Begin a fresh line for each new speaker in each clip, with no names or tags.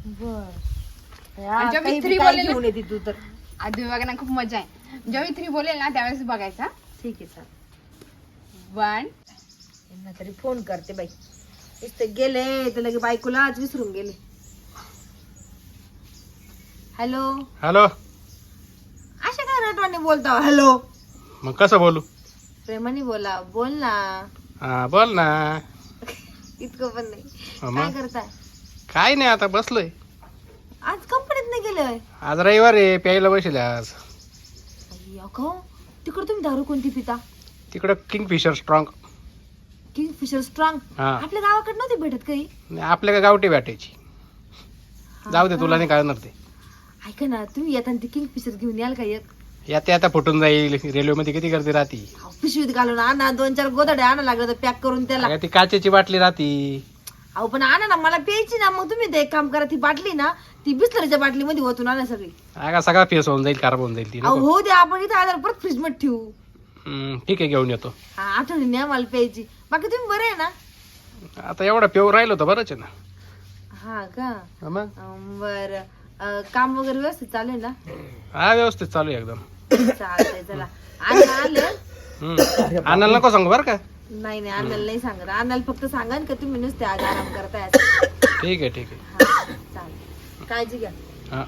आणि जेव्हा मी 3 बोलेल तू तर आधी बघायला खूप मजा आहे. जेव्हा मी 3 बोलेल ना त्यावेळेस बघायचा.
ठीक आहे सर.
1
यांना तरी फोन करते बाई. इथे गेले तर लगे बायकोला आज विसरून गेले. Hello
hello.
अशा काय रटवाने बोलता? हॅलो
मग कसं बोलू?
प्रेमाने बोला. बोल ना.
हा बोल ना.
इतकं पण नाही.
मग?
काय करताय?
काय नाही आता बसलोय.
आज कंपनीत नाही गेलोय.
आज रविवार आहे प्यायला बसले आज.
तिकडे तुम्ही दारू कोणती पिता?
तिकडं किंगफिशर स्ट्रॉंग.
Kingfisher strong.
हा
आपल्या गावाकडे नव्हती भेटत काही?
नाही, आपल्या का गावठी भेटायची. जाऊ दे तुला नाही कळणार ते.
ऐका ना तुम्ही येताना ती किंगफिशर घेऊन याल का एक?
याते आता फुटून जाईल. रेल्वे मध्ये किती गर्दी राहती.
पिशवीत घालून आणा. 2-4 गोदडे आणा लागलं तर पॅक करून त्याला.
अगं ती काचेची बाटली राहती.
अहो पण आणा ना मला प्यायची ना. मग तुम्ही ते एक काम करा ती बाटली ना ती बिस्लरीच्या बाटलीमध्ये ओतून आणा सगळी.
अगं सगळा फेस होऊन जाईल खराब होऊन जाईल ती.
अहो हो द्या आपण इथे आल्यावर परत फ्रीज मध्ये ठेवू.
ठीक आहे घेऊन येतो.
हा आठवणी आम्हाला प्यायची. बाकी तुम्ही बरे आहे ना?
आता एवढा पेव राहिलो तर बरंच आहे ना.
हा का?
हा मग
बर काम वगैरे व्यवस्थित चालू आहे ना?
हा व्यवस्थित चालू आहे एकदम.
चालतंय चला. अण्णा आले?
आणायला नको सांगू बरं का.
नाही नाही अण्णाला नाही सांगत. अण्णाला फक्त सांगा का तुम्ही नुसते आज आराम करताय असं.
ठीक आहे ठीक आहे.
हा, चालेल. काळजी घ्या.
हा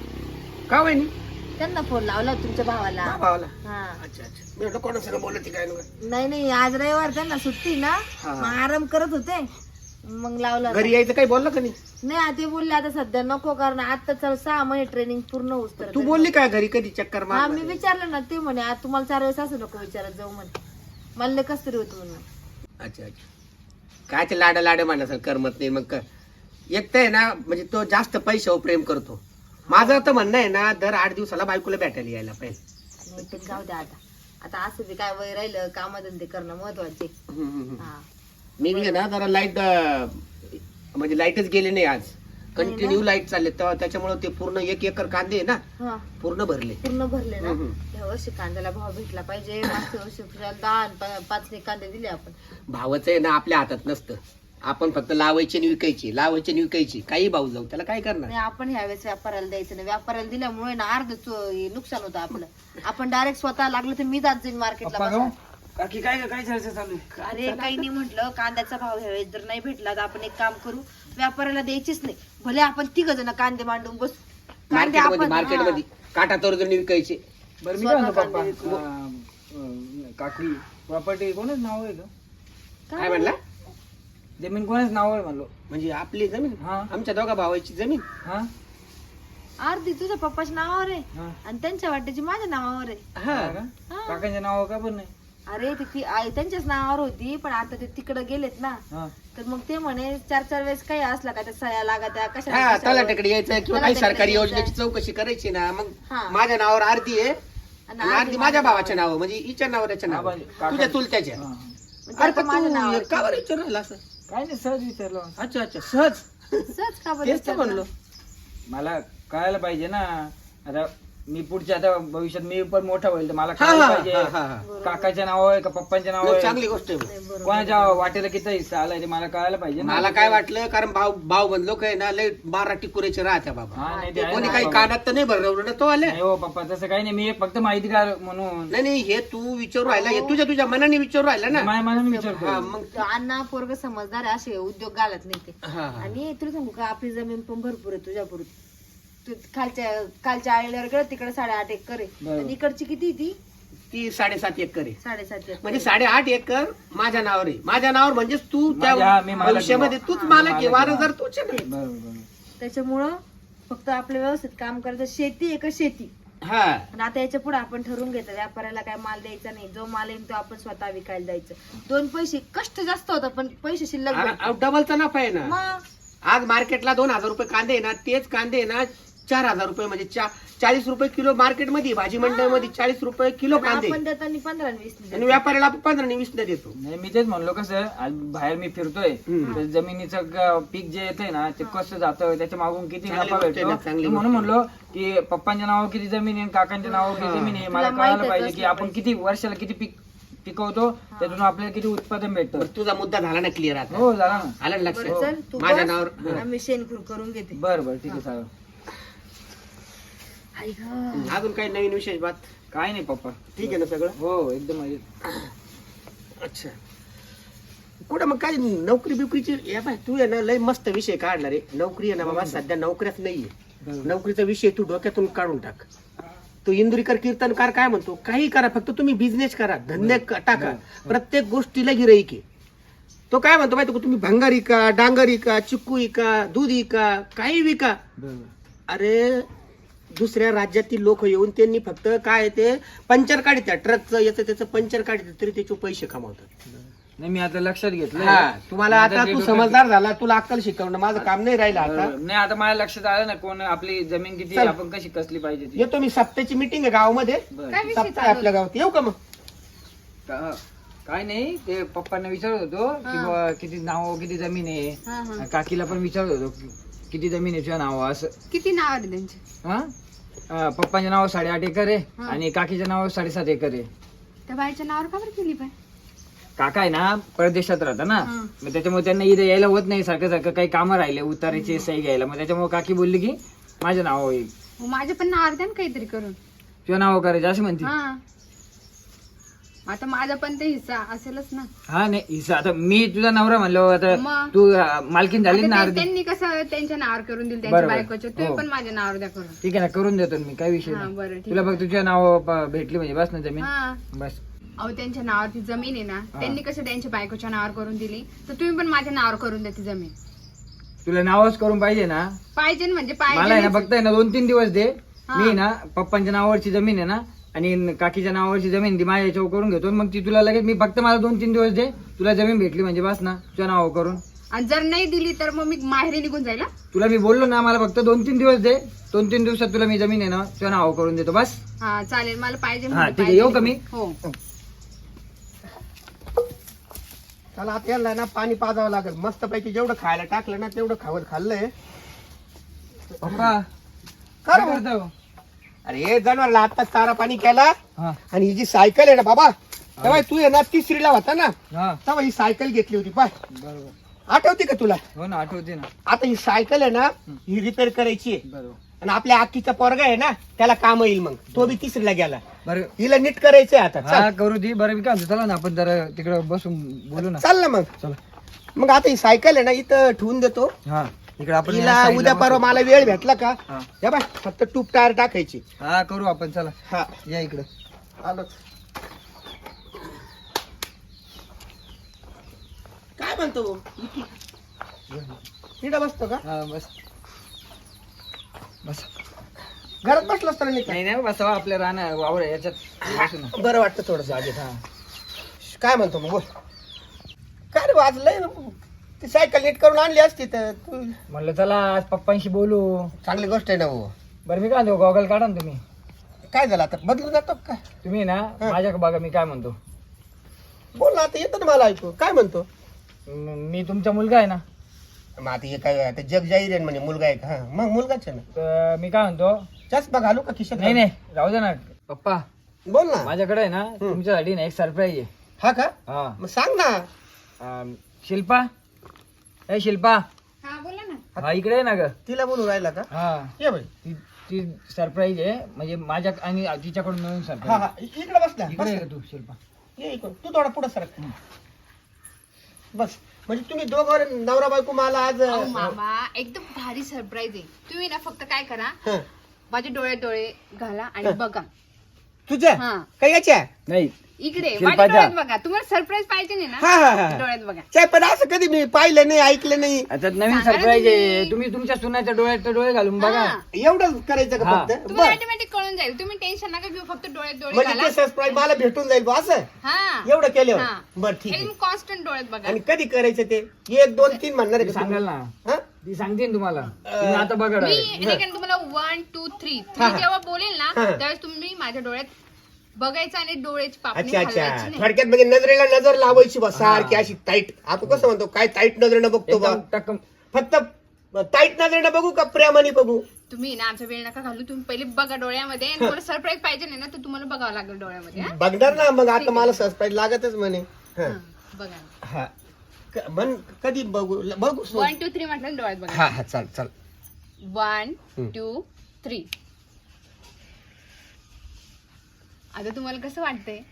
का वहिनी?
त्यांना फोन लावला होता तुमच्या भावाला.
भावाला.
हा
अच्छा अच्छा. मी म्हटलं कोणासंग बोलत काय
नाही नाही आज रविवार त्यांना सुट्टी ना. मग आराम करत होते मग लावला.
घरी यायचं काही बोललं का नाही?
नाही ते बोलले आता सध्या नको कारण आता 6 महिने ट्रेनिंग पूर्ण होऊस तर.
तू बोलली काय घरी कधी चक्कर
हा
मार?
मी विचारलं ना ते म्हणे आज तुम्हाला 4 वेळेस असं नको विचारत जाऊ म्हणे. मला कस तरी होत म्हणून.
अच्छा अच्छा. काय ते लाड लाड म्हणा करमत नाही मग एक तर आहे ना म्हणजे तो जास्त पैशावर प्रेम करतो. माझं तर म्हणणं आहे ना दर 8 दिवसाला बायकोला भेटायला यायला पाहिजे.
नाही पण जाऊ द्या आता. आता असं बी काय वय राहिलं कामधंदे करणं महत्वाचे. हा
मी ना जरा लाईट म्हणजे लाईटच गेली नाही आज. कंटिन्यू लाईट चालले तेव्हा त्याच्यामुळे ते पूर्ण 1 एकर कांदे आहे ना
हा
पूर्ण भरले.
पूर्ण भरले ना. या वर्षी कांद्याला भाव भेटला पाहिजे. मागच्या वर्षी 10-5 कांदे दिले आपण.
भावच आहे ना आपल्या हातात नसतं. आपण फक्त लावायची आणि विकायची लावायची आणि विकायची. काही भाव जाऊ त्याला काय करणार.
नाही आपण ह्यावेळेस व्यापाऱ्याला द्यायचं नाही. व्यापाऱ्याला दिल्यामुळे ना अर्ध नुकसान होतं आपलं. आपण डायरेक्ट स्वतः लागलं तर मी जात जाईन मार्केटला.
बाकी काय काय चर्चा चालू आहे?
अरे काही नाही म्हटलं कांद्याचा भाव ह्यावेळेस जर नाही भेटला तर आपण एक काम करू व्यापाऱ्याला द्यायचीच नाही. भले आपण 3 जण कांदे मांडून बस. कांदे आपण
मार्केटमध्ये काटा तोरण विकायचे.
बरं मी काय म्हणतो पप्पा काकडी प्रॉपर्टी कोणाच नाव आहे का?
काय म्हणला?
जमीन कोणाच नाव आहे म्हणलो.
म्हणजे आपली जमीन
हा.
आमच्या दोघा भावाची जमीन.
हा
अर्धी तुझ्या पप्पाच्या नावावर आहे
हा.
आणि त्यांच्या वाट्याची माझ्या नावावर आहे.
हा
का? काकांच्या नाव का पण नाही?
अरे ती आई त्यांच्याच नावावर होती पण आता ते तिकडे गेलेत ना.
हा
तर मग ते म्हणे 4 वेळेस काही असला का त्या सह्या लागा कशा
हा तलाट्याकडे यायचं किंवा काही सरकारी योजनेची चौकशी करायची ना मग
हा.
माझ्या नावावर अर्धी आहे आणि अर्धी माझ्या भावाच्या नाव म्हणजे हिच्या नावावर याच्या नाव तुझ्या चुलत्याच्या.
हा.
अरे पण तू का बरं विचारू राहिला असं?
काय नाही सहज विचारलं.
अच्छा अच्छा सहज
सहज का बरं
तेच तर म्हणलो.
मला कळायला पाहिजे ना. आता मी पुढच्या आता भविष्यात मी पण मोठा होईल तर मला
हा,
कळायला
हा,
पाहिजे
हा, हा.
काकाच्या नाव आहे का पप्पांच्या नाव आहे
चांगली गोष्ट आहे.
कोणाच्या वाटेला किती हिस्सा आलाय ते मला कळायला पाहिजे ना.
मला काय वाटलं कारण भाऊ बनलो काय ना लय 12 टिकुरेचे राहत्या बाबा.
हा नाही ते आहे
कोणी
ना
काही
बाबा.
कानात तर नाही भरवलं ना तो आले.
नाही हो पप्पा तसं काही नाही. मी एक फक्त माहितीगार म्हणून
नाही नाही हे तू विचारू राहिला हे तुझ्या मनाने विचारू राहिला ना.
माझ्या मनाने
हा
विचारतो.
मग
तो अण्णा पोरग समजदार आहे, असे उद्योग घालत नाही ते.
हा, हा.
आणि तुला सांगू का आपली जमीन पण भरपूर आहे तुझ्या पुरती. तू कालच्या आळीवर गेलं तिकडे 8.5 एकर आहे
बरोबर.
आणि इकडची किती
ती 7.5 एकर आहे
7.5 एकर.
म्हणजे 8.5 एकर माझ्या नावावर आहे. माझ्या नावावर म्हणजे तू त्या
मी मालक आहे.
भविष्यामध्ये तूच मालक आहे. वारसदार तूच आहे.
बरोबर बरोबर.
त्याच्यामुळं फक्त आपलं व्यवस्थित काम करायचं. शेती आहे का शेती.
हा
आणि आता याच्या पुढे आपण ठरवून घेतो व्यापाऱ्याला काय माल द्यायचा नाही. जो माल येईल तो आपण स्वतः विकायला द्यायचं. 2 पैसे कष्ट जास्त होतं पण पैसे शिल्लक भेटतात.
डबलचा नफा आहे ना.
मग
आज मार्केटला 2,000 रुपये कांदे आहे ना तेच कांदे आहे ना 4,000 रुपये म्हणजे 40 रुपये किलो मार्केटमध्ये भाजी मंडईमध्ये 40 रुपये किलो कांदे
आपण देताना 15 आणि 20
आणि व्यापाऱ्याला आपण 15 आणि 20 देतो.
नाही मी तेच म्हणलो कसं आज बाहेर मी फिरतोय तर जमिनीचं पीक जे येतंय ना ते कसं जातं त्याच्या मागून किती
चांगली
नफा
गोष्ट आहे ना,
भेटतो.
चांगली
म्हणून म्हणलो की पप्पांच्या नावावर किती जमीन आहे काकांच्या नावावर किती जमीन आहे मला
तुला
कळायला
माहित
पाहिजे
आहे
की आपण किती वर्षाला किती पीक पिकवतो त्यातून आपल्याला किती उत्पादन भेटतं.
बरं, तुझा मुद्दा झाला ना क्लिअर आता
हो झाला ना.
आलं ना
बरं
लक्षात
चल तू
माझ्या
बस,
नावावर
आम्ही शेणखूर करून घेते.
बरं बरं ठीक आहे चालेल.
आई गं.
अजून काही नवीन विशेष बात
काय नाही पप्पा.
ठीक आहे ना सगळं
हो एकदम मजेत.
अच्छा कुठं मग काय नोकरी बिकरीची या बाय तू आहे ना लय मस्त विषय काढला रे. नोकरी आहे ना बाबा सध्या नोकऱ्याच नाहीये. नोकरीचा विषय तू डोक्यातून काढून टाक. तो इंदुरीकर कीर्तनकार काय म्हणतो काही करा फक्त तुम्ही बिझनेस करा धंदे टाका प्रत्येक गोष्टीला गिराईक आहे. तो काय म्हणतो माहिती का तुम्ही भंगार विका डांगर विका चिक्कू विका दूध विका काही विका. अरे दुसऱ्या राज्यातील लोक येऊन त्यांनी फक्त काय ते पंचर काढतात ट्रकचं याचं त्याचं पंचर काढतात तरी त्याचे पैसे कमावतात.
नाही मी आता लक्षात घेतलं.
हा तुम्हाला आता तू समजदार झाला तुला अक्कल शिकवणं माझं काम नाही राहिलं आता.
नाही आता माझ्या लक्षात आलं ना कोण आपली जमीन किती
चल.
आपण कशी कसली पाहिजे ती.
येतो मी सप्त्याची मीटिंग आहे गावामध्ये
बरं.
काय विषय
सप्ताह आहे आपल्या गावात येऊ का मग.
काय नाही ते पप्पांना विचारत होतो की बुवा किती नाव किती जमीन
हा, हा.
आहे. काकीला पण विचारत होतो किती जमीन आहे तुझ्या नाव असं.
किती नाव आहे त्यांचे?
हा पप्पांच्या नाव 8.5 एकर आहे आणि काकीच्या नाव 7.5 एकर आहे.
त्या बाईच्या नावावर का बरं केली पाय?
काका आहे ना परदेशात राहता ना
हा.
मग त्याच्यामुळे त्यांना इथे यायला होत नाही सारखं सारखं काही कामं राहिले उतारायचे सही घ्यायला मग त्याच्यामुळे काकी बोलली की माझं नाव होईल
मग माझ्या पण नावावर द्या ना काहीतरी करून.
तुझं नाव करायचं असं म्हणते.
हा आता माझा पण ते हिस्सा असेलच ना.
हा नाही हिस्सा आता मी तुझा नवरा म्हणलो आता
मग?
तू मालकीन झाली
आता
ना
ते-
अर्धी.
त्यांनी कसं त्यांच्या नावावर करून दिलं त्यांच्या
बरोबर.
बायकोच्या तुम्ही
हो.
पण माझ्या नावावर द्या करून.
ठीक आहे ना करून देतो ना मी काय विषय
हा
नाही.
बरं ठीक
तुला
आहे.
बघ तुझ्या नाव भेटली म्हणजे बस ना जमीन
हा
बस.
अहो त्यांच्या नावावरती जमीन आहे ना त्यांनी कसं त्यांच्या बायकोच्या नावावर करून दिली तर तुम्ही पण माझ्या नावावर करून द्या ती जमीन.
तुला नावच करून पाहिजे ना
पाहिजे ना म्हणजे
मला आहे ना
पाहिजे.
फक्त आहे ना 2-3 दिवस दे.
हा.
मी ना पप्पांच्या नावावरची जमीन आहे ना आणि काकीच्या नावावरची जमीन ती माझ्या याच्यावर करून घेतो मग ती तुला लगेच मी फक्त मला 2-3 दिवस दे तुला जमीन भेटली म्हणजे बस ना तुझ्या नावावर करून.
आणि जर नाही दिली तर मग मी माहेरी निघून जाईल हा?
तुला मी बोललो ना मला फक्त 2-3 दिवस दे 2-3 दिवसात तुला मी जमीन आहे ना तुझ्या नावावर करून देतो बस.
हा चालेल मला पाहिजे
हा,
म्हणजे
ठीक आहे.
पाहिजे.
येऊ का मी?
हो
त्याला आता याला ना पाणी पाजावं लागेल मस्त पैकी जेवढं खायला टाकलं ना तेवढं खाल्लंय.
पप्पा
काय
काय करतो?
अरे हे जनावरला आता चारा पाणी केला
हा
आणि ही जी सायकल आहे ना बाबा तेव्हा तू आहे ना 3रीला होता ना
हा
तेव्हा ही सायकल घेतली होती पाय
बरोबर
आठवते का तुला.
हो ना आठवते ना.
आता ही सायकल आहे ना ही रिपेअर करायची आहे
बरोबर
आणि आपल्या आखीचा पोरगा आहे ना त्याला काम येईल मग तो बी 3रीला गेला
बरं
हिला नीट करायचंय आता.
हा करू दे बरं मी काय म्हणतो, चला ना आपण जरा तिकडे बसून बोलू ना.
चाल ना मग.
चला
मग आता ही सायकल आहे ना इथं ठेवून देतो
हा इकडे आपण
हिला
या side ला
उद्या परवा
बसू.
मला वेळ भेटला का
हा.
या बाय फक्त टूप टायर टाकायची.
हा करू आपण चला
हा
या इकडे.
आलो. काय म्हणतो तिकडे बसतो का
हा बस बस.
घरात बसलो असतो ना
नाही नाही बसावा आपल्या राहणार वावर आहे, याच्यात बसू ना.
बरं वाटतं थोडस आधी.
हा
काय म्हणतो मग बोल. काय रे वाजलंय ती सायकल नीट करून आणली असती तर तू
म्हणलं चला आज पप्पांशी बोलू.
चांगली गोष्ट आहे ना हो.
बरं मी काय म्हणतो गॉगल काढा ना तुम्ही.
काय झालं आता बदलून जातो का काय
तुम्ही ना माझ्या बघा मी काय म्हणतो.
बोल ना आता येतं ना मला ऐकू काय म्हणतो.
मी तुमचा मुलगा आहे ना
मग आता हे काय आता जग जाहीर आहे म्हणजे मुलगा आहे का. हा मग मुलगाच आहे ना.
तर मी काय म्हणतो.
चष्मा घालू का खिशात
नाही नाही राहू दे ना पप्पा.
बोल ना.
माझ्याकडे आहे ना तुमच्यासाठी ना एक सरप्राईज आहे.
हा का
हा
मग सांग ना.
शिल्पा ए शिल्पा
हा बोला ना.
हा इकडे आहे ना ग.
तिला बोलू राहिला का
हा
ये बाई.
ती सरप्राईज आहे म्हणजे माझ्या आणि तिच्याकडून मिळून
हा
सरप्राईज.
हा इकडे बस ना
इकडे
बस
आहे
ना.
का तू शिल्पा.
ये इकडं. तू थोडा पुढे सरक बस. म्हणजे तुम्ही दोघं नवरा बायको मला आज
अहो मामा एकदम भारी सरप्राईज आहे. तुम्ही ना फक्त काय करा
हं.
माझे डोळे डोळे घाला आणि बघा.
तुझ्या
हा
काय याच्या
नाही
इकडे माझ्या
शिल्पाच्या.
डोळ्यात बघा. तुम्हाला सरप्राईज पाहिजे नाही
हा
ना
हा हा
डोळ्यात बघा.
काय पण असं कधी मी पाहिलं नाही ऐकलं नाही.
आता नवीन
सांगा ना
सरप्राईज आहे.
तुम्ही.
तुम्ही तुमच्या सुनाच्या डोळ्यात डोळे घालून बघा.
हा.
एवढं करायचं का
हा.
फक्त
तुम्हाला
बर
ऑटोमॅटिक कळून जाईल. तुम्ही टेन्शन नका घेऊ. फक्त डोळ्यात डोळे
म्हणजे
घाला.
ते सरप्राईज मला भेटून जाईल बुवा असं
हा
एवढं केल्यावर
हा.
बर ठीक आहे.
एकदम कॉन्स्टंट डोळ्यात बघा.
आणि कधी करायचं ते 1 2 3 म्हणणार आहे
ती
का
सांगाल
तुम्ही?
ना
हा?
ती सांगते ना तुम्हाला. तुम्ही आता बघा
मी
direct.
नाही तुम्हाला 1 2 3
हा, हा.
जेव्हा बोलेल ना
हा.
त्यावेळेस तुम्ही माझ्या डोळ्यात बघायचं आणि डोळ्याची पापणी
अच्छा अच्छा
हलवायची नाही.
थोडक्यात म्हणजे नजरेला नजर लावायची बा सारखी अशी टाईट. आपण कसं म्हणतो काय टाईट नजरेनं बघतो बा
एकदम टक्कम.
फक्त टाईट नजरेनं बघू का प्रेमाने बघू.
तुम्ही ना आमचा वेळ नका घालू, तुम्ही पहिले बघा डोळ्यामध्ये, आणि तुम्हाला सरप्राईज पाहिजे नाही ना तर तुम्हाला बघावं लागेल डोळ्यामध्ये. हा?
बघणार ना मग, आता मला सरप्राईज लागतच म्हणे.
हा, बघा ना.
हा मन कधी बघू बघू
1 2 3 म्हटलं डोळ्यात बघा.
हा हा चाल चाल.
1 2 3. आता तुम्हाला कसं वाटतंय?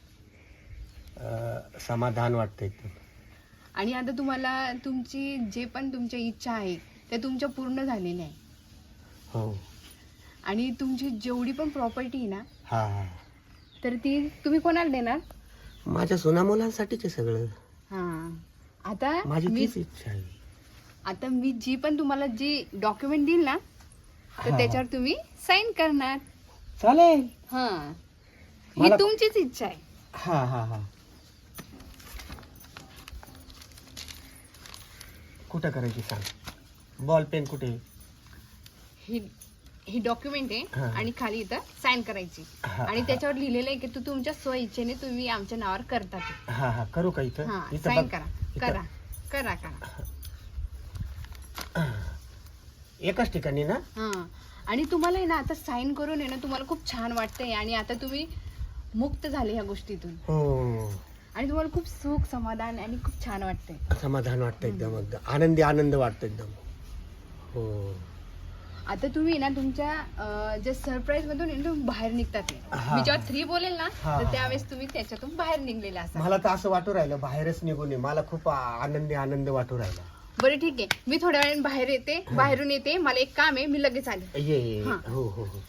समाधान वाटतंय एकदम.
आणि आता तुम्हाला तुमची जे पण तुमच्या इच्छा आहे त्या तुमच्या पूर्ण झालेल्या आहे.
हो.
आणि तुमची जेवढी पण प्रॉपर्टी आहे ना
हा हा.
तर ती तुम्ही कोणाला देणार?
माझ्या सोना मुलांसाठीच आहे सगळं.
हा. आता
माझी
मी
तीच इच्छा आहे.
आता मी जी पण तुम्हाला जी डॉक्युमेंट देईल ना तर
हा.
त्याच्यावर तुम्ही साईन करणार.
चालेल.
हा, ही
मला-
तुमचीच इच्छा आहे.
हा हा हा. कुठं करायची सांग, बॉल पेन कुठे?
ही ही डॉक्युमेंट
हा.
आहे आणि खाली इथं साईन करायची.
हा,
आणि
हा.
त्याच्यावर लिहिलेलं आहे की तू तुमच्या स्वइच्छेने तुम्ही आमच्या नावावर करता ते.
हा हा करू का इथं?
हा,
इथं
साईन
बघ.
करा
इथं.
करा करा करा.
एकाच ठिकाणी ना?
हा. आणि तुम्हाला आहे ना आता साईन करून आहे ना तुम्हाला खूप छान वाटतंय आणि आता तुम्ही मुक्त झाले ह्या गोष्टीतून
हो.
आणि तुम्हाला खूप सुख समाधान आणि खूप छान वाटतंय.
समाधान वाटतं एकदम, एकदम आनंदी आनंद वाटतो एकदम. हो.
आता तुम्ही ना तुमच्या जे सरप्राईज मधून आहे ना तुम्ही बाहेर निघतात आहे.
हा.
मी जेव्हा 3 बोलेल ना
हा,
तर
हा.
त्यावेळेस तुम्ही त्याच्यातून बाहेर निघलेला असाल.
मला तर असं वाटू राहिलं बाहेरच निघून ये, मला खूप आनंदी आनंद वाटू राहिला.
बरं ठीक आहे, मी थोड्या वेळाने बाहेर येते, बाहेरून येते, मला एक काम आहे, मी लगेच आले.
ये ये.
हा.
हो हो हो.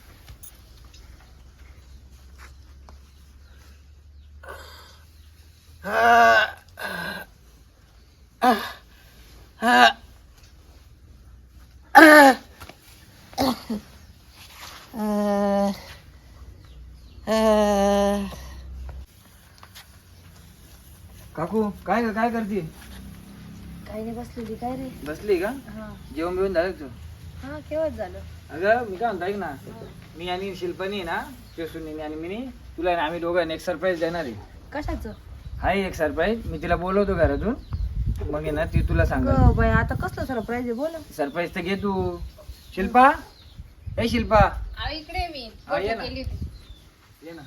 काकू काय काय करते?
काही नाही, बसलेली. काय रे?
बसली का? जेवण बिवून झालं तू?
हा, केव्हाच झालं.
अगं मी काय म्हणतो ऐक ना, मी आणि शिल्पानी ना सुनीने आणि मी तुला ना आम्ही दोघांनी एक सरप्राईज देणार आहे.
कशाचं?
हाय एक सरप्राईज, मी तिला बोलवतो घरातून, मग आहे ना ती तुला सांग.
बाई आता कसलं सरप्राईज आहे, बोल.
सरप्राईज तर घे तू. शिल्पा, ए शिल्पा
अहो, इकडे आहे मी.
हा, ये
फोटो
ना.
केली होती.
ये ना.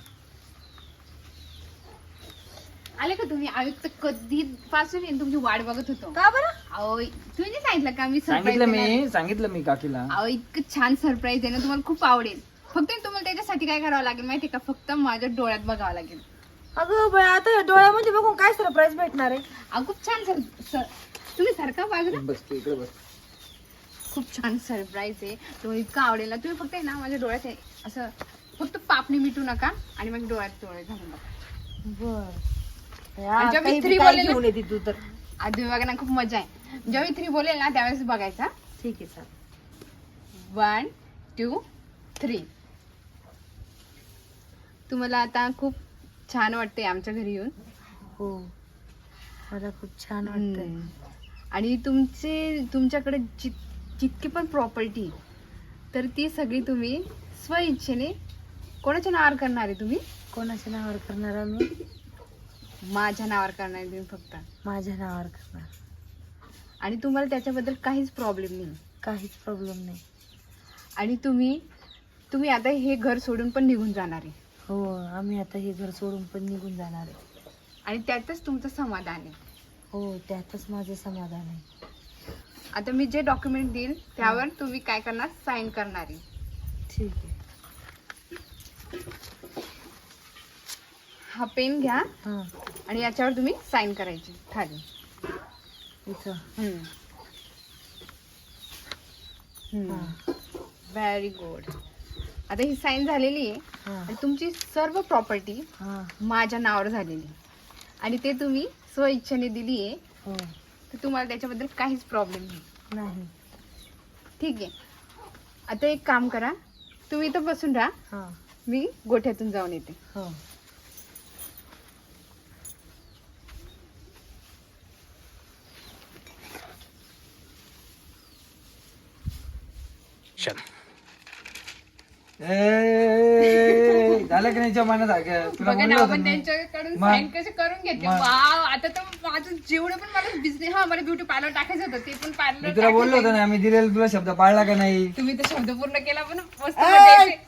आले का तुम्ही? आयुक्त कधी पासून आहे ना तुमची वाट बघत होतो.
का बरं?
अहो, तुम्ही नाही सांगितलं का मी सरप्राईज
सांगितलं मी काकीला.
अहो, इतकं छान सरप्राईज आहे ना, तुम्हाला खूप आवडेल. फक्त तुम्हाला त्याच्यासाठी काय करावं लागेल माहितीये का? फक्त माझ्या डोळ्यात बघावं लागेल.
अगं बाई आता या डोळ्यामध्ये बघून काय सरप्राईज भेटणार आहे?
अहो, खूप छान तुम्ही सारखा बाजूला.
बस तू इकडे बस.
खूप छान सरप्राईज आहे, तुम्हाला इतकं आवडेल ना. तुम्ही फक्त आहे ना माझ्या डोळ्यात असं फक्त पापणी मिटू नका आणि माझ्या डोळ्यात डोळे घालून बघा.
बर.
आणि जेव्हा मी 3 बोलेल
घेऊन येते तू तर.
आधी बघा ना, खूप मजा आहे. जेव्हा मी 3 बोलेल ना त्यावेळेस बघायचा.
ठीक आहे, चालेल.
1 2 3. तुम्हाला आता खूप छान वाटतंय आमच्या घरी येऊन.
हो, मला खूप छान वाटतंय.
आणि तुमच्याकडे जितकी पण प्रॉपर्टी तर ती सगळी तुम्ही स्वइच्छेने कोणाच्या नावावर करणार आहे? तुम्ही
कोणाच्या नावावर करणार आम्ही?
माझ्या नावावर करणार आहे तुम्ही फक्त.
माझ्या नावावर करणार.
आणि तुम्हाला त्याच्याबद्दल काहीच प्रॉब्लेम नाही.
काहीच प्रॉब्लेम नाही.
आणि तुम्ही आता हे घर सोडून पण निघून जाणार आहे.
हो, आम्ही आता हे घर सोडून पण निघून जाणार आहे.
आणि त्यातच तुमचं समाधान आहे.
हो, त्यातच माझं समाधान आहे.
आता मी जे डॉक्युमेंट देईल त्यावर तुम्ही काय करणार? साईन करणार आहे.
ठीक आहे.
हा पेन घ्या
हा,
आणि याच्यावर तुम्ही साईन करायची खाली.
इथं.
Very good. आता ही साईन झालेली आहे
हा,
आणि तुमची सर्व प्रॉपर्टी
हा.
माझ्या नावावर झालेली आहे. आणि ते तुम्ही स्वइच्छेने दिली आहे,
हो,
तर तुम्हाला त्याच्याबद्दल काहीच प्रॉब्लेम नाही.
नाही.
ठीक आहे. आता एक काम करा, तुम्ही इथं बसून राहा,
हा,
मी गोठ्यातून जाऊन येते.
हो.
झालं की नाही जमाना तुला
बघा
म्हणलं
ना,
होतं
आपण
मी.
त्यांच्याकडून
मग-
साईन कसे करून घेतले.
मग-
वाव, आता तर माझं जेवढे पण मला बिझनेस मला ब्युटी पार्लर टाकायचं होतं ते पण
मी
पार्लर
तुला बोललो होतो ना आम्ही दिलेला तुला शब्द पाळला का नाही?
तुम्ही तर शब्द पूर्ण केला पण मस्त मजा येते.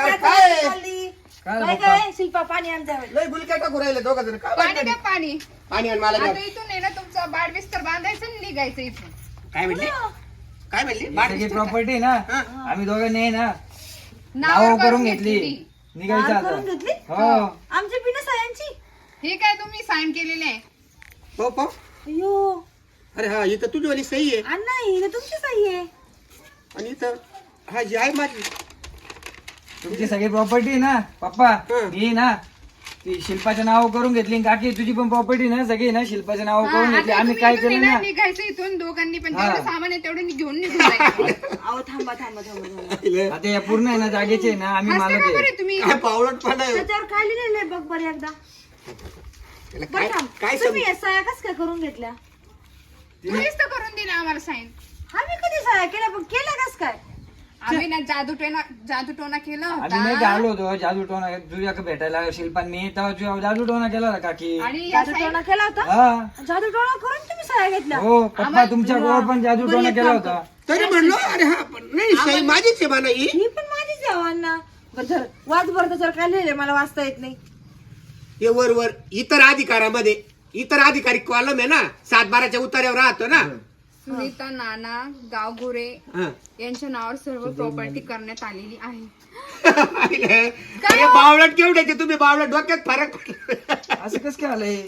काय
काय
पप्पा?
काय शिल्पा पाणी आण जावं.
लय गुलक्या टाकू राहिले दोघं जण काय
पाणी
वाटतं?
द्या पाणी.
पाणी आणि मला
आता
द्या.
इथून आहे ना तुमचा बाड बिस्तर बांधायचं आणि निघायचं इथून.
काय म्हणली काय म्हणली
सगळी प्रॉपर्टी ना
हा.
आम्ही दोघांनी आहे ना
नावावर
नाव करून घेतली. निघायचं
नाव करून
आता.
घेतली
हो
आमच्या बिना सायांची.
हे काय तुम्ही साईन केलेले आहे.
पाहू पाहू.
अयो
अरे हा इथं तुझी वाली सही आहे
अण्णा ही तुमची साई आहे.
आणि इथं हा जी आहे माझी.
तुमची सगळी प्रॉपर्टी ना पप्पा
हं.
मी ना ती शिल्पाच्या नाव करून घेतली आणि काकी तुझी पण प्रॉपर्टी ना सगळी ना शिल्पाच्या नाव
हा,
करून घेतली.
आता
आम्ही
तुम्ही
काय
इथून
केलं
आहे
ना
ना, निघायचं इथून दोघांनी पण
हा.
जेवढं सामान आहे तेवढं घेऊन निघून जायचं.
अहो थांबा थांबा थांबा थांबा.
आता या पूर्ण आहे ना जागेचे आहे ना आम्ही
हसते
मालक
का
आहे.
बरं तुम्ही.
काय पावलटपणा आहे.
त्याच्यावर काय लिहिलेलं बघ बरं एकदा.
याला
बरं
काय
थांब.
काय
तुम्ही या साया कस काय करून घेतल्या?
तुम्हीच तर करून दिलं आम्हाला साईन.
आम्ही कधी साया केल्या पण केल्या कस काय?
आम्ही ना जादू टोना केला
आम्ही नाही
होता
आलो होतो जादू टोना तुझ्या भेटायला शिल्पान मी तेव्हा तुझ्या जादू टोना केला होता काकी.
आणि या
जादू
sign-
टोणा केला होता.
हा
जादू टोणा करून तुम्ही साया घेतल्या.
हो पप्पा तुमच्या गोवर पण जादू
बरं,
टोना
एक
केला
काम
होता.
तरी म्हणलो अरे हा पण नाही सही माझीच आहे म्हणा ही.
ही पण माझीच आहे अण्णा. बरं धर वाच बरं त्याच्यावर काय लिहिलंय मला वाचता येत नाही.
हे वर वर इतर अधिकारामध्ये इतर अधिकारी कॉलम आहे ना 7-12च्या उतार्यावर राहतो ना.
सुनीता नाना गावगुरे
हा.
यांच्या नावावर सर्व प्रॉपर्टी करण्यात आलेली आहे.
अरे बावळट केवढ्याचे तुम्ही बावळट डोक्यात फरक पडला.
असं कस काय आलंय?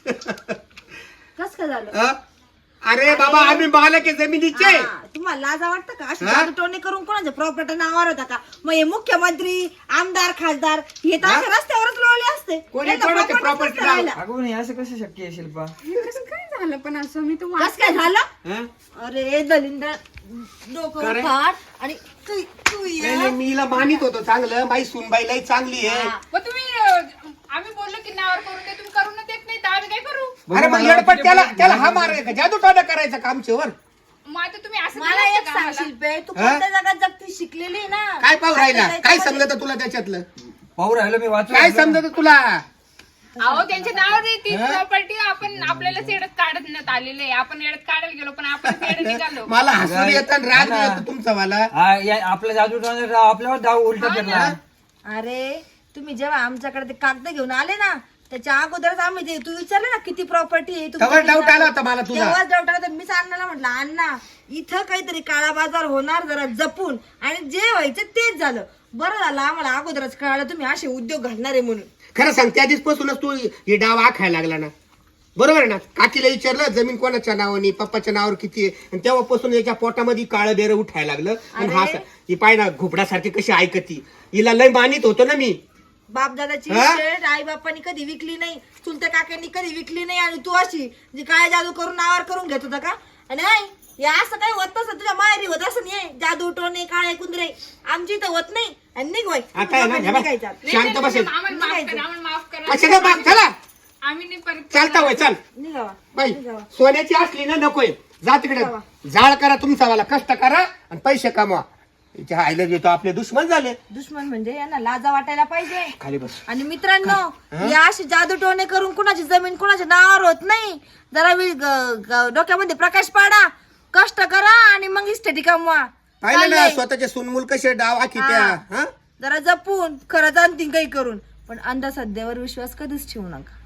कस काय झालं?
हा? अरे बाबा आम्ही मालक आहे जमिनीचे.
हा, तुम्हाला लाजा वाटतं का अशी
हा?
जादू टोणे करून कोणाच्या प्रॉपर्टी नावावर होता का? मग हे मुख्यमंत्री आमदार खासदार हे तर असे रस्त्यावरच लोळले असते.
कोणी
यांना
कोणाच्या
property
property
नसतं राहिलं.
अगो नाही असं कसं शक्य आहे शिल्पा?
हे कसं काय झालं पण असं मी तर
कस काय झालं?
हा?
अरे दलिंदर डोकं
का रे?
उखाड आणि तू तू ये.
नाही, नाही, मी हिला मानित होतो चांगलं बाई सुनबाई लई चांगली आहे.
मग तुम्ही आम्ही बोललो की नावावर करून दे तुम्ही करून देत नाही तर आम्ही काय करू.
अरे मग येडपट त्याला हा मार जादू टोना करायचा का आमच्यावर?
मग आता तुम्ही असं
मला
केलं
एक
असतं का
सांग
आम्हाला?
शिल्पे तू
हा?
कोणत्या जगात जगती शिकलेली ना?
काय पाहू राहिला
आता
काय
त्याच्यामध्ये-
समजत तुला त्याच्यातलं
पाहू राहिलो मी वाचू
काय
राहिलो.
समजत तुला?
अहो त्यांच्या नावावर आहे ती प्रॉपर्टी आपण आपल्याला सेडत काढण्यात आलेले आहे. आपण येडत काढायला गेलो पण आपण सेड निघालो.
मला हसून येतं आणि राग
हा.
येतो तुमचा मला.
हा आपला जादू टोना आपल्यावर डाव उलटा करला.
अरे तुम्ही जेव्हा आमच्याकडे ते कागद घेऊन आले ना त्याच्या अगोदरच आम्ही ते तू विचारलं ना किती प्रॉपर्टी आहे
तेव्हा doubt आला होता मला तुझा.
तेव्हाच डाऊट आला होता. मीच अण्णाला म्हटलं अण्णा इथं काहीतरी काळा बाजार होणार जरा जपून आणि जे व्हायचं तेच झालं. बरं झालं आम्हाला अगोदरच कळालं तुम्ही असे उद्योग घालणार आहे म्हणून.
खरं सांग त्या दिवसपासूनच तू हे डाव आखायला लागला ना. बरोबर आहे ना. काकीला विचारलं जमीन कोणाच्या नावाने पप्पाच्या नावावर किती आहे आणि तेव्हापासून याच्या पोटामध्ये काळं बेर उठायला लागलं. आणि हा ही पाय ना घुबडासारखी कशी ऐकती. हिला लय मानित होतो ना मी.
बापदादाची
हा?
शेत आई बापांनी कधी विकली नाही चुलत्या काकांनी कधी विकली नाही आणि तू अशी जी काय जादू करून नावावर करून घेत होता का? आणि नाही हे असं काही होत नसतं तुझ्या माहेरी होत असं नाही. जादू टोणे काळे कुंदरे आमची इथं होत नाही. आणि निघवाय
आता आहे ना हे बघ, शांत बसेल
आम्हाला माफ करा आम्हाला माफ करा.
कशाला बाग चला
आम्ही नाही परत
चालता होय चाल
निघावा
बाई सोन्याची असली ना नकोय. जा तिकडे जाळ करा तुमचा वाला कष्ट करा आणि पैसे कमवा. इथे आयला घेतो आपले दुश्मन झाले.
दुश्मन म्हणजे यांना लाजा वाटायला पाहिजे.
खाली बस.
आणि मित्रांनो या अशी जादू टोणे करून कुणाची जमीन कुणाच्या नावावर होत नाही. जरा डोक्यामध्ये प्रकाश पाडा कष्ट करा आणि मग इस्टेटी कमवा.
पाहिलं ना
चाललंय.
स्वतःचे सुनमुल कसे डाव आखी त्या हा?
जरा जपून खरंच आणतील काही करून पण अंधश्रद्धेवर विश्वास कधीच ठेवू नका.